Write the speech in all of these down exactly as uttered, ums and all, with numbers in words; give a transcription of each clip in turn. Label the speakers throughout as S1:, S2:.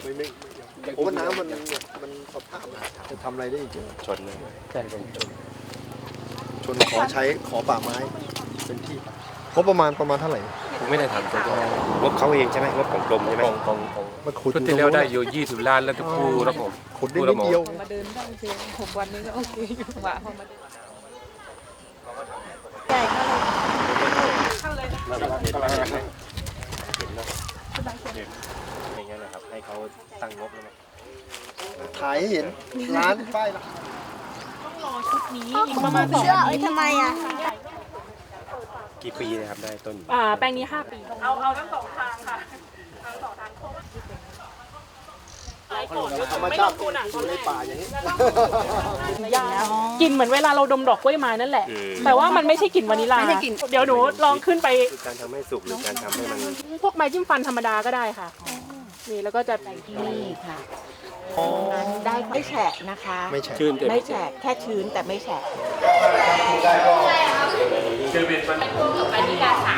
S1: ไม่ไม่โอ้น้ำมันมันสภาพจะทำอะไรได้จริงชนเลยใช่ชนชนขอใช้ขอป่าไม้เป็นที่งบประมาณประมาณเท่าไหร่
S2: ผมไม่ได้ทำตัวงบเขาเองใช่ไหมงบของกรมใช่ไหมของของของ
S1: มาขุด
S2: ที่แล้วได้อยู่ยี่สิบล้านแล้วทุกคู่แล้วผม
S1: ขุดได้นิดเดียว
S3: มาเดินได้โอเคหกวันนี้ก็โอเคอยู่หว่าพอมาเดินใหญ่เข้าเลยเข้าเลย
S2: เห็นแล้วเห็นแล้วอย่างเงี้ยนะครับให้เขาตั้งงบแล้ว
S1: ถ่ายให้เห็นร้านป้ายร้าน
S3: ต้องรอชุดนี้อีกประมาณสองปี
S4: ทำไมอ่ะ
S2: กี่ปีนะครับได้ต้น
S3: อ่าแปลงนี้ห้าปีเอาเอาทั้งสองทางค่ะทั้งสองทาง
S1: ธรรมชาติอยู่ในป่าอย่างนี้
S3: กลิ่นเหมือนเวลาเราดมดอกกล้วยไม้นั่นแหละแต่ว่ามันไม่ใช่กลิ่นวานิลลาเดี๋ยวหนูลองขึ้นไป
S2: การทำให้สุกหรือการทำให้มัน
S3: พวกไม้จิ้มฟันธรรมดาก็ได้ค่ะนี่แล้วก็จะ
S4: ใส่ที่นี่ค่ะนั้นได้ไม่แฉะนะคะ
S1: ไม่แฉะ
S4: ไม่แฉะแค่ชื้นแต่ไม่แฉะ
S2: คือเป็นมัน
S3: วานิลลาสาม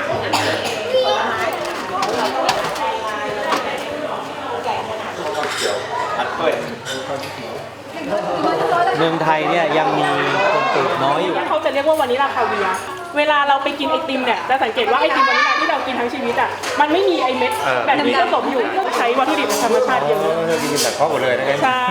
S5: เมืองไทยเนี่ยยังมีคนปลูกน้อยอยู่
S3: เขาจะเรียกว่าวานิลลาคาเวียร์เวลาเราไปกินไอติมเนี่ยจะสังเกตว่าไอติมวานิลลาที่เรากินทั้งชีวิตอ่ะมันไม่มีไอเม็ดแบบนี้ผสมอยู่ใช้วัตถุดิบธรรมชาติเยอะ
S2: กินแต่ข้อหมดเลยนะ
S3: ใช่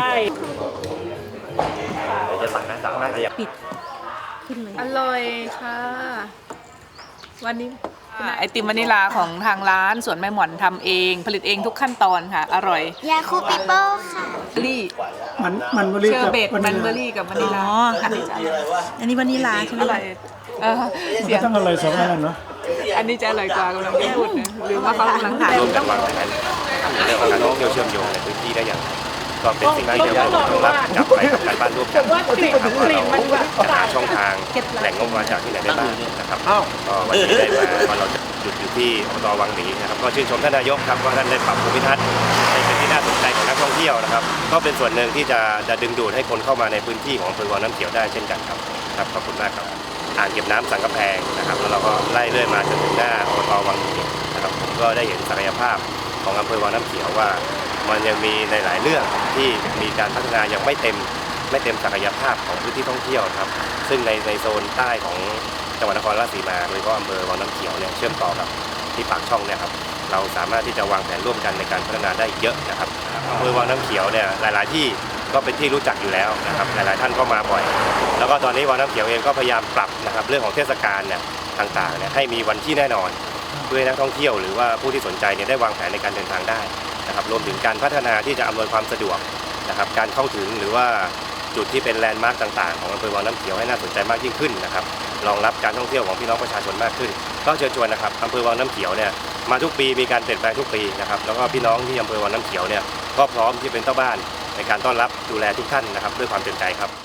S2: จะสั่งนะสั่งน่าจะอยาก
S4: ปิด
S6: อร่อยค่ะวันนี้ไอติมวานิลาของทางร้านสวนแม่หมอนทำเองผลิตเองทุกขั้นตอนค่ะอร่อย
S4: ยาคูปิโป้ค่ะ
S6: ลี่
S7: มันมันเบอร์รี่
S6: เชอ
S7: กับ
S6: ร์เบตมันเบอร์รี่กับวานิลาค่ะ
S4: อันนี้วานิลาใช่ไหม
S6: อร่อยเออเสียง
S7: ต้องอร่อยสองอันนั้นเนาะ
S6: อันนี้จะอร่อยกว่ากำลังพูดนะหรือว่าเขากำลังถ่าย
S2: ร่วมกันวางแผนเรื่องของการท่องเที่ยวเชื่อมโยงในพื้นที่ได้อย่างก็เป็นสิ่งที่เราต้องรับจับไปกับการบ้านร่วมกันนะครับว่าเราจะหาช่องทางแหล่งงบประมาณจากที่ไหนได้บ้างนะครับก็วันนี้ได้มาว่าเราจะหยุดอยู่ที่อบตวังหมีนะครับก็ชื่นชมท่านนายกครับว่าท่านได้ปรับภูมิทัศน์ให้เป็นที่น่าสนใจของนักท่องเที่ยวนะครับก็เป็นส่วนหนึ่งที่จะจะดึงดูดให้คนเข้ามาในพื้นที่ของอำเภอวังน้ำเขียวได้เช่นกันครับครับขอบคุณมากครับอ่างเก็บน้ำสังกะแพงนะครับแล้วเราก็ไล่เรื่อยมาจนถึงหน้าอบตวังหมีนะครับผมก็ได้เห็นศักยภาพของอำเภอวังน้ำเขียวว่ามันยังมีในหลายเรื่องที่มีการพัฒนายังไม่เต็มไม่เต็มศักยภาพของพื้นที่ท่องเที่ยวครับซึ่งในในโซนใต้ของจังหวัดนครราชสีมาโดยเฉพาะอำเภอวังน้ำเขียวเนี่ยเชื่อมต่อกับที่ปากช่องเนี่ยครับเราสามารถที่จะวางแผนร่วมกันในการพัฒนาได้เยอะนะครับอำเภอวังน้ำเขียวเนี่ยหลายๆที่ก็เป็นที่รู้จักอยู่แล้วนะครับหลายๆท่านก็มาบ่อยแล้วก็ตอนนี้วังน้ำเขียวเองก็พยายามปรับนะครับเรื่องของเทศกาลเนี่ยต่างๆเนี่ยให้มีวันที่แน่นอนเพื่อให้นักท่องเที่ยวหรือว่าผู้ที่สนใจเนี่ยได้วางแผนในการเดินทางได้นะครับรวมถึงการพัฒนาที่จะอำนวยความสะดวกนะครับการเข้าถึงหรือว่าจุดที่เป็นแลนด์มาร์กต่างๆของอำเภอวังน้ำเขียวให้น่าสนใจมากยิ่งขึ้นนะครับรองรับการท่องเที่ยวของพี่น้องประชาชนมากขึ้นก็เชิญชวนนะครับอำเภอวังน้ำเขียวเนี่ยมาทุกปีมีการเปลี่ยนแปลงทุกปีนะครับแล้วก็พี่น้องที่อำเภอวังน้ำเขียวเนี่ยก็พร้อมที่เป็นเจ้าบ้านในการต้อนรับดูแลทุกท่านนะครับด้วยความเต็มใจครับ